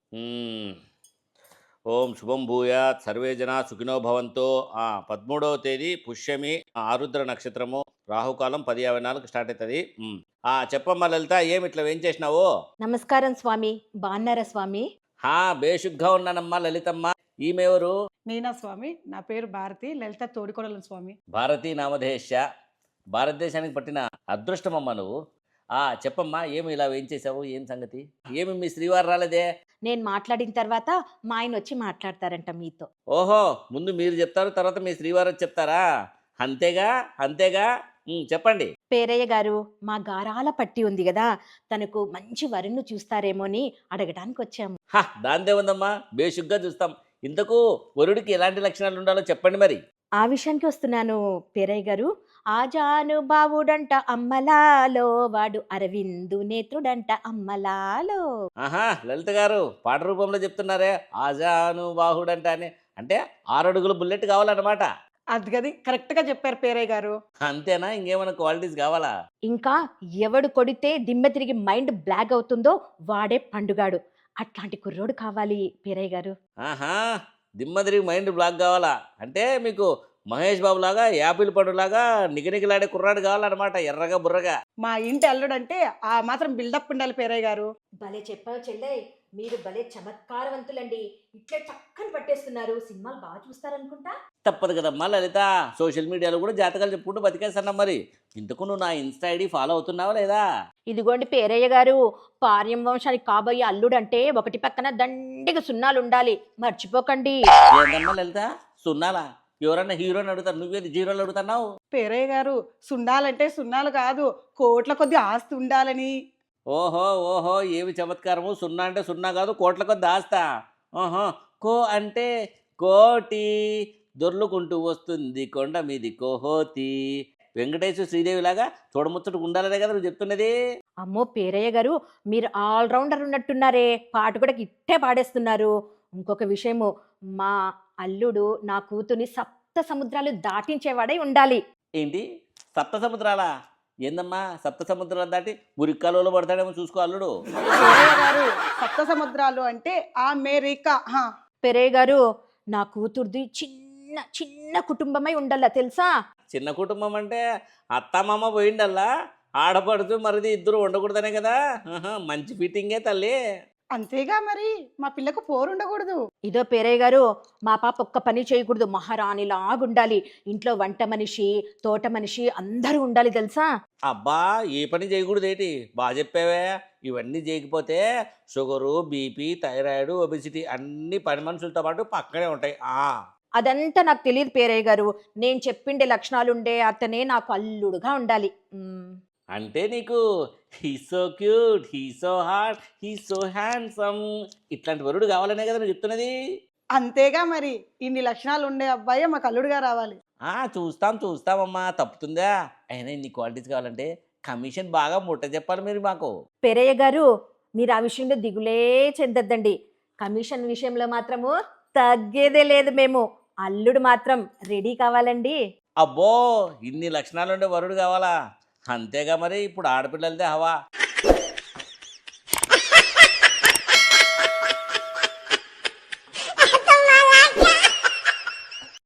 హ్మ్. ఓం శుభం భూయాత్ సర్వే జనా సుఖినో భవంతో. 13వ తేదీ పుష్యమి, ఆరుద్ర నక్షత్రము, రాహుకాలం 10:54 స్టార్ట్ అవుతుంది. చెప్పమ్మా లలిత, ఏమి ఇట్లా ఏం చేసినావు? నమస్కారం స్వామి. బాన్నారా స్వామి? బేషుగ్గా ఉన్నానమ్మా లలితమ్మ. ఈమెవరు? నేనా స్వామి? నా పేరు భారతి. లలిత తోడికోడలు స్వామి. భారతీ నామధేశ. భారతదేశానికి పట్టిన అదృష్టమమ్మా నువ్వు. చెప్పమ్మా, ఏమి ఇలా ఏం చేసావు? ఏం సంగతి? ఏమి మీ శ్రీవారు రాలేదే? నేను మాట్లాడిన తర్వాత మా ఆయన వచ్చి మాట్లాడతారంట మీతో. ఓహో, ముందు మీరు చెప్తారు, తర్వాత మీ శ్రీవారు వచ్చి చెప్తారా? అంతేగా అంతేగా. చెప్పండి. పేరయ్య గారు, మా గారాల పట్టి ఉంది కదా, తనకు మంచి వరుణ్ణి చూస్తారేమో అని అడగడానికి వచ్చాము. దాందే ఉందమ్మా, బేషుగ్గా చూస్తాం. ఇంతకు వరుడికి ఎలాంటి లక్షణాలు ఉండాలో చెప్పండి మరి. ఆ విషయానికి వస్తున్నాను పేరయ్య గారు. ఆజానుబావుడంట అమ్మలాలో, వాడు అరవిందు నేత్రుడంట అమ్మలాలో. లలిత గారు పాట రూపంలో చెప్తున్నారే, ఆజాను బాహుడంట అని. అంటే 6 అడుగుల బుల్లెట్ కావాలన్నమాట. అది గది కరెక్ట్గా చెప్పారు పేరయ్య గారు. అంతేనా? ఇంకేమైనా క్వాలిటీస్ కావాలా? ఇంకా ఎవడు కొడితే దిమ్మె తిరిగి మైండ్ బ్లాక్ అవుతుందో వాడే పండుగాడు. అట్లాంటి కుర్రోడు కావాలి పేరయ్య గారు. దిమ్మ తిరిగి మైండ్ బ్లాక్ కావాలా? అంటే మీకు మహేష్ బాబు లాగా, యాపిల్ పండులాగా నిగనిగలాడే కుర్రాడు కావాలన్నమాట, ఎర్రగా బుర్రగా. మా ఇంటి అల్లుడంటే ఆ మాత్రం బిల్డప్ ఉండాలి పేరయ్య గారు. భలే చెప్పావు చెల్లె, మీరు భలే చమత్కారవంతులండి. ఇట్లే చక్కని పట్టేస్తున్నారు. సినిమాలు బాగా చూస్తారనుకుంటా. తప్పదు కదమ్మా లలిత, సోషల్ మీడియాలో కూడా జాతకాలు చెప్పుకుంటూ బతికేస్తున్నా. మరి ఇంతకు నువ్వు నా ఇన్స్టా ఐడి ఫాలో అవుతున్నావా లేదా? ఇదిగోండి పేరయ్య గారు, పార్యం వంశానికి కాబోయే అల్లుడంటే ఒకటి పక్కన దండిగా సున్నాలు ఉండాలి, మర్చిపోకండి. ఏందమ్మా లలిత, సున్నాలా? ఎవరన్నా హీరోని అడుగుతారు, నువ్వేది జీరోలు అడుగుతున్నావు? పేరయ్య గారు, సున్నాలంటే సున్నాలు కాదు, కోట్ల కొద్ది ఆస్తి ఉండాలని. ఓహో ఓహో, ఏమి చమత్కారము! సున్నా అంటే సున్నా కాదు, కోట్ల కొద్ది ఆస్తా. ఓహో, కో అంటే కోటి, దొర్లుకుంటూ వస్తుంది కొండ మీది కోహోతి. వెంకటేశ్వర శ్రీదేవి లాగా చూడముచ్చటకు ఉండాలనే కదా నువ్వు చెప్తున్నది. అమ్మో పేరయ్య గారు, మీరు ఆల్రౌండర్ ఉన్నట్టున్నారే, పాట కూడా ఇట్టే పాడేస్తున్నారు. ఇంకొక విషయము, మా అల్లుడు నా కూతుర్ని 7 సముద్రాలు దాటించేవాడై ఉండాలి. ఏంటి, 7 సముద్రాలా? ఏందమ్మా 7 సముద్రాలు దాటి మురిక్కాలలో పడతాడేమో చూసుకో అల్లుడు. పేరయ్య గారు, సప్త సముద్రాలు అంటే అమెరికా. పేరయ్య గారు, నా కూతుర్ది చిన్న చిన్న కుటుంబమై ఉండాలా తెలుసా? చిన్న కుటుంబం అంటే అత్తమామ పోయిండల్లా, ఆడపడుతూ మరిది ఇద్దరు ఉండకూడదనే కదా. మంచి ఫిట్టింగే తల్లి. అంతేగా మరి, మా పిల్లకు పోరుండకూడదు. ఇదో పేరయ్య గారు, మా పాప ఒక్క పని చేయకూడదు, మహారాణిలాగుండాలి. ఇంట్లో వంట మనిషి, తోట మనిషి అందరూ ఉండాలి తెలుసా? అబ్బా, ఏ పని చేయకూడదు ఏంటి? బాగా చెప్పావే. ఇవన్నీ చేయకపోతే షుగరు, బీపీ, థైరాయిడ్, ఒబెసిటీ అన్ని పని మనుషులతో పాటు పక్కనే ఉంటాయి. అదంతా నాకు తెలియదు పేరయ్య గారు. నేను చెప్పిండే లక్షణాలుండే అతనే నాకు అల్లుడుగా ఉండాలి. అంటే నీకు he so cute, he so hot, he so handsome ఇట్లాంటి వరుడు కావాలనే కదా నువ్వు చెప్తున్నది. అంతేగా మరి, ఇన్ని లక్షణాలు ఉండే అబ్బాయే మాకు అల్లుడుగా రావాలి. చూస్తామమ్మా, తప్పుతుందా? అయినా ఇన్ని క్వాలిటీస్ కావాలంటే కమిషన్ బాగా ముట్ట చెప్పాలి మీరు మాకు. పేరయ్య గారు, మీరు ఆ విషయంలో దిగులే చెందద్దండి. కమిషన్ విషయంలో మాత్రము తగ్గేదే లేదు. మేము అల్లుడు మాత్రం రెడీ కావాలండి. అబ్బో, ఇన్ని లక్షణాలు ఉండే వరుడు కావాలా? అంతేగా మరి, ఇప్పుడు ఆడపిల్లలదే హవా.